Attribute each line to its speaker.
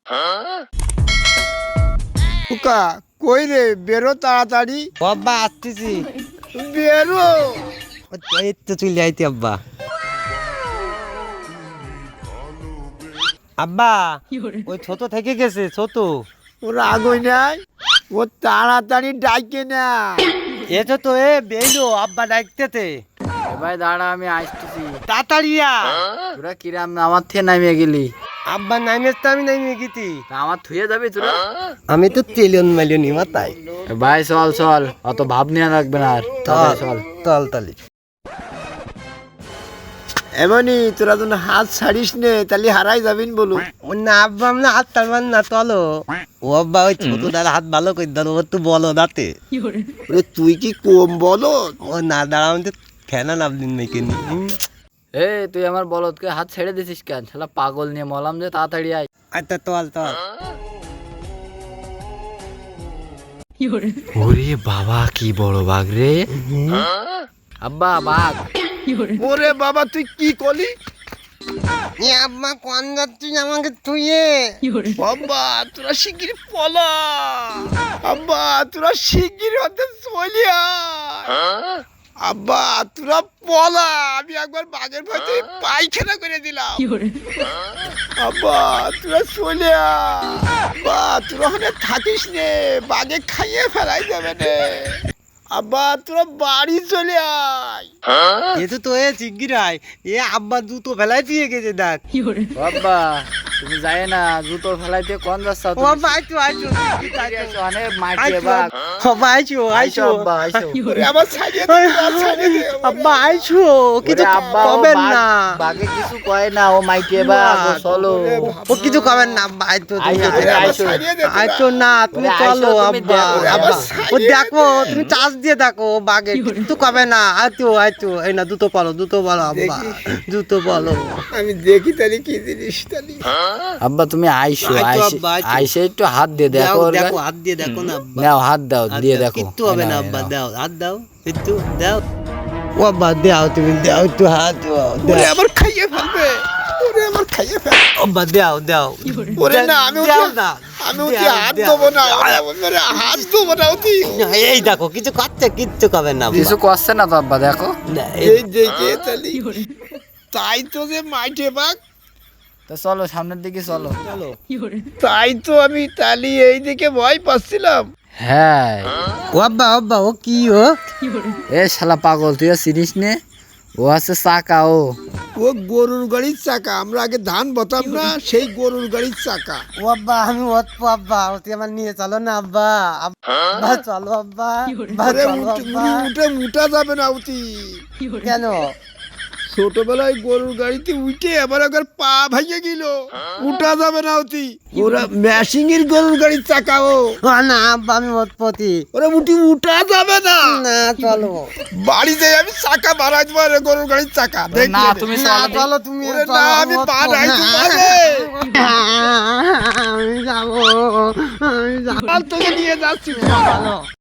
Speaker 1: খোকা কই রে, বেরো তাড়াতাড়ি।
Speaker 2: আব্বা আসতেছি।
Speaker 1: বেরো।
Speaker 2: এই তো চলে আইতি আব্বা। আব্বা ওই ছোট থেকে গেছে ছোট।
Speaker 1: ওর আগুই নাই, ও তাড়াতাড়ি ডাইকে না।
Speaker 2: এসো তো এ বেইলো আব্বা ডাকতেছে।
Speaker 3: ভাই দাঁড়া, আমি আসতেছি।
Speaker 2: তাড়াতাড়ি আ।
Speaker 3: তোরা কিরাম আমার থেকে নামিয়ে গেলি?
Speaker 2: আব্বা নাইমেস তো আমি নাইমে গেছি।
Speaker 3: তা আমার থুয়ে যাবি তোরা?
Speaker 2: আমি তো তেলিয়ন মালিয়নি মাথায়।
Speaker 3: ভাই চল চল, অত ভাব নিয়ে রাখবে না আর। চল
Speaker 2: চল তালি।
Speaker 1: এমনই তোরা যেন হাত ছাড়িস নে, তাহলে হারাই যাবিন বলু।
Speaker 2: ও না আব্বা আমরা হাত তালমান না চলো। ও আব্বা ওই ছোট দাদা হাত ভালো করে দাও, ওর তো বলো দাঁতে।
Speaker 1: ওরে তুই কি কম বলো?
Speaker 2: ও না দাঁড়া, আমি তো ফেনা নাবলিন মেকে নি।
Speaker 3: এ তুই আমার বলদকে হাত ছেড়ে দিছিস কেন? শালা পাগল নিয়ে মলাম যে, তাড়াতাড়ি আয়।
Speaker 2: আচ্ছা চল চল।
Speaker 3: ওরে বাবা কি বড় বাঘ রে! আব্বা বাঘ!
Speaker 1: ওরে বাবা তুই কি করলি?
Speaker 2: আব্বা কোন যাচ্ছিস আমাকে তুইয়ে?
Speaker 1: বাবা তোরা শিগগির পলা, আব্বা তোরা শিগগির হতে চলে আয়। আব্বা তোরা পলা, আমি একবার বাঘের ভয়তে পায়খানা করে দিলাম। আব্বা তোরা চলে আয়, আব্বা তোরা ওখানে থাকিস নে, বাঘে খাইয়ে ফেলাই যাবে নে। আব্বা তোরা বাড়ি চলে আয়।
Speaker 2: এ তো এ চিগিরাই এ আব্বা জুতো ফেলাই দিয়ে গেছে দেখ।
Speaker 3: বাবা তুমি যাই না, জুতো ফেলাইতে কোন রাস্তা?
Speaker 2: ও আব্বা আইছো আইছো
Speaker 3: অনেক মাটি বাঘ।
Speaker 2: আব্বা আইছো আইছো
Speaker 3: আব্বা আইসো।
Speaker 1: ওরে আমার ছাড়িয়ে দে, আমার ছাড়িয়ে দে।
Speaker 2: আব্বা আইছো কিছু
Speaker 3: ওরে আব্বা, ও
Speaker 2: কবেন না।
Speaker 3: বাঘে কিছু কয় না, ও মাইটে বাঘ। ও চলো।
Speaker 2: ও কিছু কবেন না আব্বা আইছো
Speaker 3: আইছো,
Speaker 2: তুমি
Speaker 3: তুমি
Speaker 1: আমার
Speaker 3: আইছো।
Speaker 1: ছাড়িয়ে দে তোরা।
Speaker 2: আইছো না তুমি
Speaker 3: ওরে
Speaker 2: চলো
Speaker 3: আইসো, তুমি
Speaker 2: আব্বা।
Speaker 3: দেখো,
Speaker 2: আব্বা,
Speaker 1: আবার
Speaker 2: ও দেখো তুমি চাষ দিয়ে দেখো বাগে কিছু কবে না। আইছো আইছো এই না জুতো পালো আব্বা জুতো পালো।
Speaker 1: আমি দেখি তাহলে কি জিনিস তাহলে।
Speaker 3: আব্বা তুমি আইসো,
Speaker 2: আইছো
Speaker 3: আইসে
Speaker 2: আব্বা, আইছো।
Speaker 3: আইসে একটু হাত দিয়ে দেখো। ওর
Speaker 2: দেখো
Speaker 3: গায়ে-
Speaker 2: হাত দিয়ে দেখো না আব্বা।
Speaker 3: নাও হাত দাও,
Speaker 2: হাত
Speaker 3: দিয়ে
Speaker 2: দাও,
Speaker 3: দেখো।
Speaker 2: কিচ্ছু হবে না
Speaker 3: নাও,
Speaker 2: আব্বা,
Speaker 3: নাও।
Speaker 2: দাও হাত দাও একটু দাও। ও আব্বা দাও তুমি দাও একটু হাত দাও
Speaker 1: ওরে আমার খাইয়ে ফেলবে, ওরে আমার খাইয়ে ফেলবে।
Speaker 2: আব্বা দাও দাও।
Speaker 1: ওরে না আমি
Speaker 2: দাও
Speaker 1: ওকে
Speaker 2: না
Speaker 1: আমি ওকে হাত দেবো না, ওরে হাত দেবো না ওকে।
Speaker 2: এই দেখো কিছু করছে কিচ্ছু কবে না আব্বা।
Speaker 3: কিছু করছে না তো আব্বা, দেখো।
Speaker 2: না,
Speaker 1: এই দেখে তাহলে তাই তো যে মাইটে বাঘ,
Speaker 3: তো চলো সামনের দিকে চলো।
Speaker 2: চলো।
Speaker 1: তাই তো আমি তাহলে এই দিকে ভয় পাচ্ছিলাম।
Speaker 3: হ্যাঁ
Speaker 2: ও আব্বা আব্বা ও কি ও?
Speaker 3: এ শালা পাগল, তুই আর চিনিস নে? ও আছে চাকা।
Speaker 1: ও গরুর গাড়ির চাকা, আমরা আগে ধান বতাম না, সেই গরুর গাড়ির চাকা।
Speaker 2: ও আব্বা আমি ওতপো আব্বা, তুই আমার নিয়ে চলো না আব্বা। আব্বা চলো আব্বা, আব্বা
Speaker 1: ওরে
Speaker 2: চলো আব্বা।
Speaker 1: উঠে উঠা যাবে না উঠি।
Speaker 2: কেন?
Speaker 1: ছোটবেলায় গরুর গাড়িতে উঠে আবার একবার পা ভাইয়ে গেল, উঠা যাবে না অতি। ওরা ম্যাশিং এর গরুর গাড়ির চাকা। ও
Speaker 2: ও না আব্বা আমি ওতপতি
Speaker 1: ওরা উঠা যাবে না।
Speaker 2: না চলো।
Speaker 1: বাড়িতে আমি চাকা বাড়াই দেবো গরুর গাড়ির চাকা
Speaker 3: না
Speaker 1: দেখলে।
Speaker 3: তুমি
Speaker 2: না
Speaker 3: চলো।
Speaker 2: চলো তুমি
Speaker 1: ওরে
Speaker 2: চলো,
Speaker 1: না আমি
Speaker 2: ওতপো
Speaker 1: বাড়াই
Speaker 2: না।
Speaker 1: দেবো
Speaker 2: আমি যাবো আমি যাবো।
Speaker 1: তোকে নিয়ে যাচ্ছি।
Speaker 2: চলো।